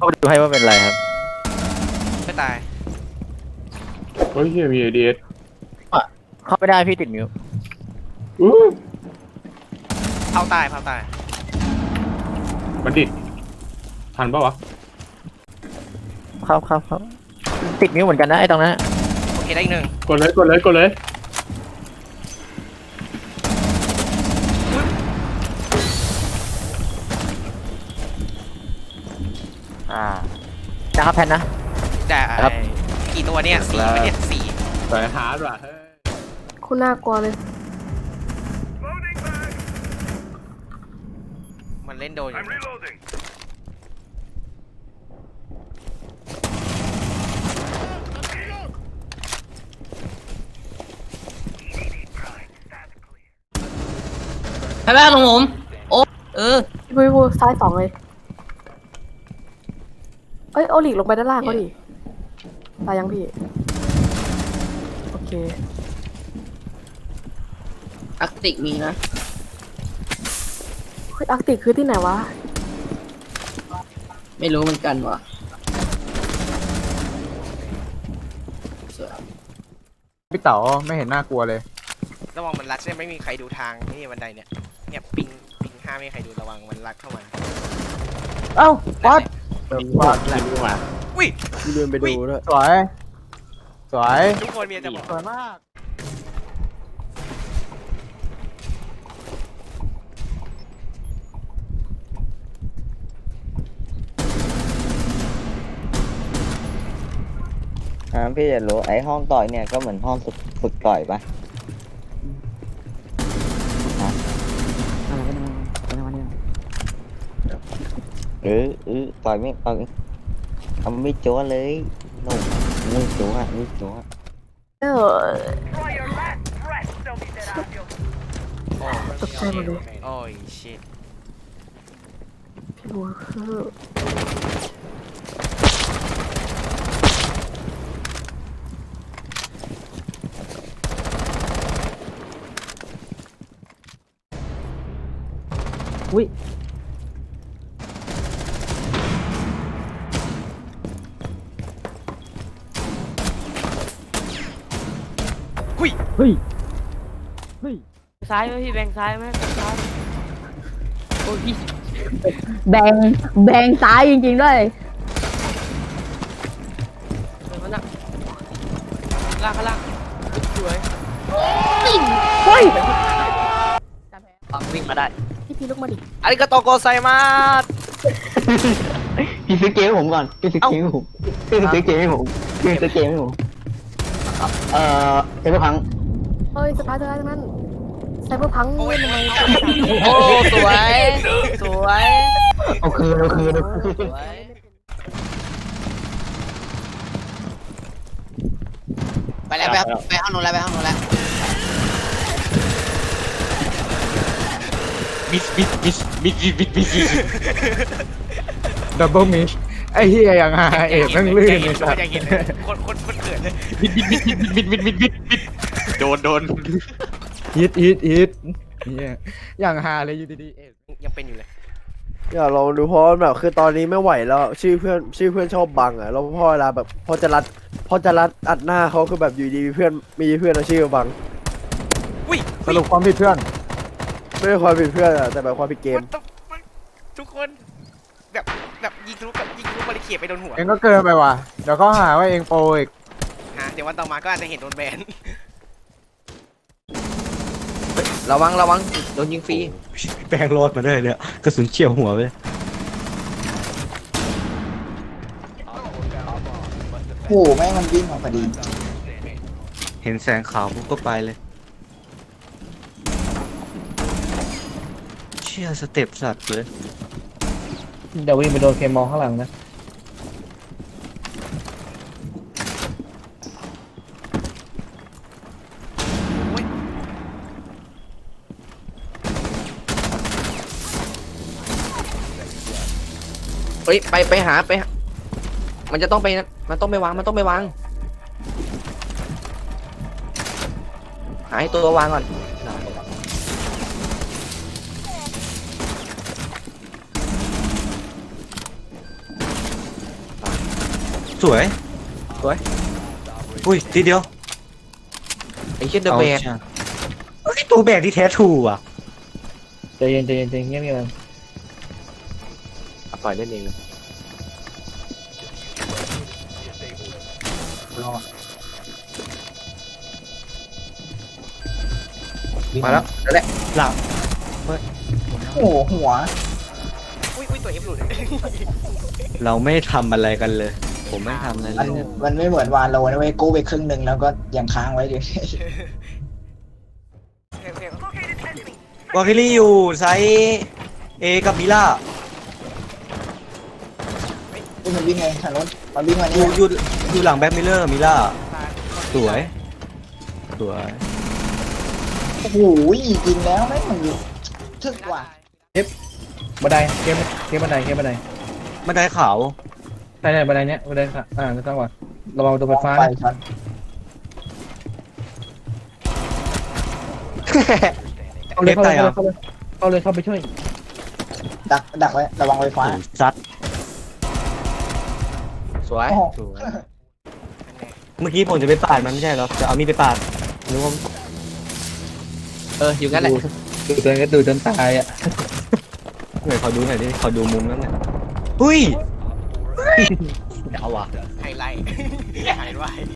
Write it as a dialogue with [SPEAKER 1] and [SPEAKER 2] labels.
[SPEAKER 1] เข้าไปดูให้ว่าเป็นไรครับ
[SPEAKER 2] ไม่ตาย
[SPEAKER 3] เฮ้ยเฮียมีไอเดีย
[SPEAKER 1] เข้าไม่ได้พี่ติดมิว
[SPEAKER 3] อู้
[SPEAKER 2] เผาตายเผาตาย
[SPEAKER 3] บัณฑิตทันปะวะ
[SPEAKER 1] ครับติดมิวเหมือนกันนะไอ้ตรงนั้น
[SPEAKER 2] โอเคได้อีกหนึ่ง
[SPEAKER 3] กดเลย
[SPEAKER 1] นะครับแพนนะ
[SPEAKER 2] แต่
[SPEAKER 1] ครับ
[SPEAKER 2] กี่ตัวเนี่ยสี่ไหมเนี่ยสี่
[SPEAKER 3] สายฮาร์ดว่ะเฮ้ย
[SPEAKER 4] คุณน่ากลัวเลย
[SPEAKER 2] มันเล่นโดนอยู่นะ
[SPEAKER 5] ใช่ไหมของผมโอ้
[SPEAKER 4] พี่พูซ้ายสองเลย เอ้ยเอาหลีกลงไปด้านล่างก็ดิตายยังพี่ โอเค
[SPEAKER 5] อาร์กติกมีนะ
[SPEAKER 4] เฮ้ยอาร์กติกคือที่ไหนวะ
[SPEAKER 5] ไม่รู้เหมือนกันว่ะ
[SPEAKER 6] พี่เต๋อไม่เห็นน่ากลัวเลย
[SPEAKER 2] ระวังมันรัดเนี่ยไม่มีใครดูทางนี่บันไดเนี่ยเนี่ยปิงห้าไม่มีใครดูระวังมันรัดเข้ามา
[SPEAKER 6] เอ้าวัด
[SPEAKER 3] มีว่าอะไรดูมา
[SPEAKER 2] อุ้ย
[SPEAKER 6] เดินไปดูด้วยสวย สวย
[SPEAKER 2] ทุกคนมีจะบอก
[SPEAKER 6] สวยมาก
[SPEAKER 1] พี่จะรู้ไอ้ห้องต่อยเนี่ยก็เหมือนห้องฝึกต่อยปะต่อยไม่ทำไม่จั่วเลยโน่ไม่จั่ว
[SPEAKER 4] เออ ตกใจหมดเลย
[SPEAKER 2] โอ้ยชิต
[SPEAKER 4] พี่บัวคือ
[SPEAKER 6] อุ้ย
[SPEAKER 2] หุ้ย
[SPEAKER 6] เฮ้ย
[SPEAKER 5] ซ้ายไหมพี่แบงซ้ายไหมซ้ายโอ้ยพี่
[SPEAKER 7] แบ่งซ้ายจริงๆด้วย
[SPEAKER 5] เดินมาหนักล่างข้างล่างสวย
[SPEAKER 7] เฮ้ย
[SPEAKER 5] วิ่งมาได้
[SPEAKER 4] พี่ลุกมาดิ
[SPEAKER 2] อาริกาโตโกไซมาส
[SPEAKER 1] พี่ซื้อเกมให้ผมก่อนพี่ซื้อเกมให้ผมพี่ซื้อเกมให้ผมเซเบอร์พัง
[SPEAKER 4] เอ้ยสปาร์ตทั้งนั้นไซเบอร์พังเล่นทำไม
[SPEAKER 5] โอ้สวยสวย
[SPEAKER 1] เอาคืน
[SPEAKER 5] สวย
[SPEAKER 2] ไปแล้วไปห้องนู้นแล้วไปห้องนู้นแล้ว
[SPEAKER 6] ดับเบิลมิชไอ้เฮียอย่างฮาเอกแม่งลื่นเลยสั
[SPEAKER 2] สั
[SPEAKER 6] ส
[SPEAKER 2] อยากเห็นเลยคนเกิดเลย
[SPEAKER 3] โดน
[SPEAKER 6] ฮิตเนี่ยอย่างฮาเลยอยู่ดีๆเอก
[SPEAKER 2] ยังเป็นอยู่เลย
[SPEAKER 8] อยากลองดูเพราะแบบคือตอนนี้ไม่ไหวแล้วชื่อเพื่อนชอบบังอ่ะแล้วพอเวลาแบบพอจะรัดอัดหน้าเขาคือแบบอยู่ดีมีเพื่อนเอาชื่อมาบัง
[SPEAKER 2] อุ้ย
[SPEAKER 6] สรุปความผิดเพื่อน
[SPEAKER 8] ไม่ใช่ความผิดเพื่อนอะแต่แบบความผิดเกม
[SPEAKER 2] ทุกคนแบบยิงทะลุบาริเคดไปโดนหัว
[SPEAKER 6] เองก็เกินไปว่ะเดี๋ยวก็หาว่าเองโปรอีก
[SPEAKER 2] เดี๋ยววันต่อมาก็อาจจะเห็นโดนแบน
[SPEAKER 5] ระวังโดนยิงฟรี
[SPEAKER 1] แปลงรอดมาได้เนี่ยกระสุนเฉี่ยวหัวไป
[SPEAKER 9] โอ้โหแม่งมันวิ่งออกพอดี
[SPEAKER 1] เห็นแสงขาวปุ๊บก็ไปเลยเชี่ยสเต็ปสัตว์เลยเดี๋ยววิ่งไปโดนเคมองข้างหลังนะ
[SPEAKER 5] เฮ้ยไปหามันจะต้องไปมันต้องไปวางหาให้ตัววางก่อน
[SPEAKER 10] สวยอุ้ยทีเดียว
[SPEAKER 5] ไอ้เช่นเดอะแบก
[SPEAKER 10] เฮ้ยตัวแบกที่แท้ถูกอ่ะ
[SPEAKER 6] ใจเย็นใจเย็นใจเย็นเงียบเงียบกัน
[SPEAKER 5] ปล่อยเล่นเองเลย
[SPEAKER 10] มาแล้วนั่นแหละหลัง
[SPEAKER 9] โอ้โหหัว
[SPEAKER 2] อุ้ยตัวเอฟหลุด
[SPEAKER 10] เราไม่ทำอะไรกันเลย ผมไม่ทำอะไร
[SPEAKER 9] มัน
[SPEAKER 10] เลย
[SPEAKER 9] มันไม่เหมือนวาโลนะเว้ยกู้ไปครึ่งหนึ่งแล้วก็ยังค้างไว้อยู่
[SPEAKER 10] วาคิลี่อยู่ไซส์เอกับมิล่า
[SPEAKER 9] นี่มันวิ่งไงทางโน้นมันวิ่งมา
[SPEAKER 10] อ
[SPEAKER 9] นี่
[SPEAKER 10] ยู่หลังแบ็คมิลเลอร์มิล่าสวย
[SPEAKER 9] โอ้โหจริงแล้วแม่งมันทึกว่ะ
[SPEAKER 6] บันไดเกมบันได
[SPEAKER 10] บันไดขาว
[SPEAKER 6] ใช่บันไดเนี้ยบันไดค่ะไม่ต้องว่ะระวังตัวไฟฟ้า
[SPEAKER 9] ไป
[SPEAKER 6] นะ
[SPEAKER 9] ช็อต
[SPEAKER 6] เข้าเลยเข้าไปช่วย
[SPEAKER 9] ดักไว้ระวังไฟฟ้า
[SPEAKER 10] ซัด
[SPEAKER 5] สวย
[SPEAKER 9] โอ้โห
[SPEAKER 10] เมื่อกี้ผมจะไปปาดมันไม่ใช่เหรอจะเอามีดไปปาดนึกว่า
[SPEAKER 5] อยู่งั้นแหละ
[SPEAKER 6] ดูจนตายอ่ะ
[SPEAKER 10] หน่อยขอดูหน่อยดิขอดูมุมนั้นหน่อยหุ้ยเดาว่ะ
[SPEAKER 2] ไฮไลท์ไฮไลท์